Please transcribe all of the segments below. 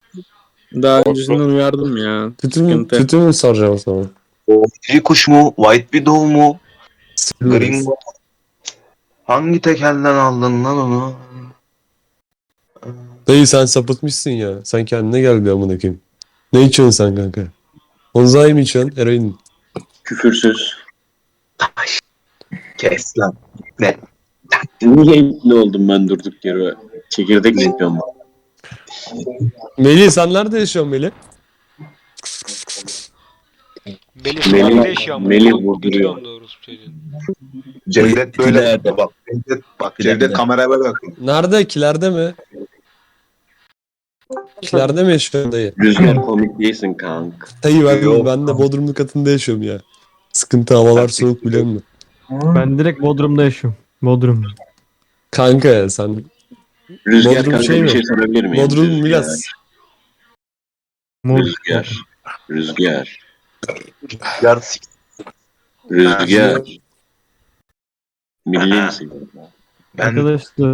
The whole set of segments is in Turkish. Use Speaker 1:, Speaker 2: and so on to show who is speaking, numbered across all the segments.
Speaker 1: Daha öncesinden uyardım ya. Sıkıntı.
Speaker 2: Tütün mü soracağım o zaman?
Speaker 3: Diri kuş mu? White Widow mu?
Speaker 2: Biliriz.
Speaker 3: Gringo. Hangi tekelden aldın lan onu?
Speaker 2: Dayı sen sapıtmışsın ya. Sen kendine gel bir amına koyayım. Ne içiyorsun sen kanka? Onzai mi içiyorsun? Eroin mi?
Speaker 1: Küfürsüz.
Speaker 3: Kes lan. Ne?
Speaker 1: Niye ipli oldum ben durduk yere? Çekirdek mi yapıyorum ben?
Speaker 2: Melih sen nerede yaşıyorsun Melih?
Speaker 4: Melih sokakta yaşıyor ama.
Speaker 1: Melih
Speaker 4: Biliyor
Speaker 1: vurduruyor.
Speaker 4: musun doğrusu çocuğun?
Speaker 3: Cevdet böyle
Speaker 5: İleride.
Speaker 3: bak. Cevdet kameraya böyle bak.
Speaker 2: Nerede? Kilerde mi? Kilerde mi yaşıyorsun dayı?
Speaker 1: Rüzgar komik değilsin kank.
Speaker 2: Dayı
Speaker 3: Yok.
Speaker 2: ben de Bodrumlu katında yaşıyorum ya. Sıkıntı havalar soğuk biliyor musun?
Speaker 6: Ben direkt Bodrum'da yaşıyorum. Bodrum.
Speaker 2: Kanka sen
Speaker 1: Rüzgar
Speaker 2: Bodrum
Speaker 1: kanka
Speaker 2: şey
Speaker 1: bir
Speaker 2: mi?
Speaker 1: şey sorabilir miyim?
Speaker 2: Bodrum
Speaker 1: Rüzgar.
Speaker 2: Milas.
Speaker 1: Rüzgar. Rüzgar.
Speaker 3: Yar
Speaker 1: Rüzgar. Milli misin?
Speaker 3: ben
Speaker 6: Arkadaşlar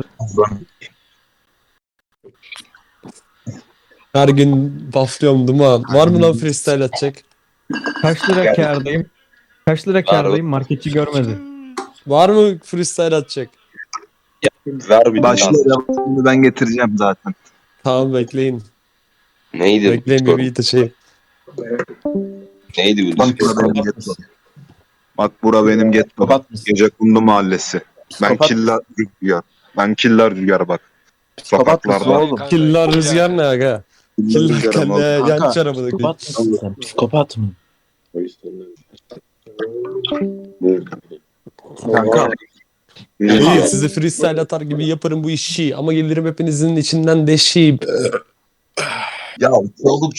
Speaker 2: Her gün bufflıyorum duman. Var mı lan freestyle atacak?
Speaker 6: kaç lira kârdayım? Kaç lira kârdayım? Marketçi görmedi.
Speaker 2: Var mı freestyle atacak?
Speaker 3: ver bir başlayalım. Şimdi ben getireceğim zaten.
Speaker 2: Tamam bekleyin.
Speaker 3: Neydi?
Speaker 2: Bekleyin bir beat açayım.
Speaker 3: Neydi bu? Bak bura benim getto. Bak bura benim getto.
Speaker 5: Kapat mısın?
Speaker 3: Gecekundu mahallesi. Ben
Speaker 5: Kapat.
Speaker 3: killer rüzgar. Ben killer rüzgar bak.
Speaker 5: Psikopat mısın
Speaker 3: Sokaklarda.
Speaker 5: oğlum?
Speaker 2: Killer rüzgar ne aga? Killer
Speaker 3: Rüzgar ama.
Speaker 2: kendi yan
Speaker 5: Kanka,
Speaker 2: çarabını.
Speaker 5: Psikopat mısın sen? Psikopat mı?
Speaker 3: Kanka.
Speaker 2: İyi sizi freestyle atar gibi yaparım bu işi ama gelirim hepinizin içinden deşeyim.
Speaker 3: Ya oğlum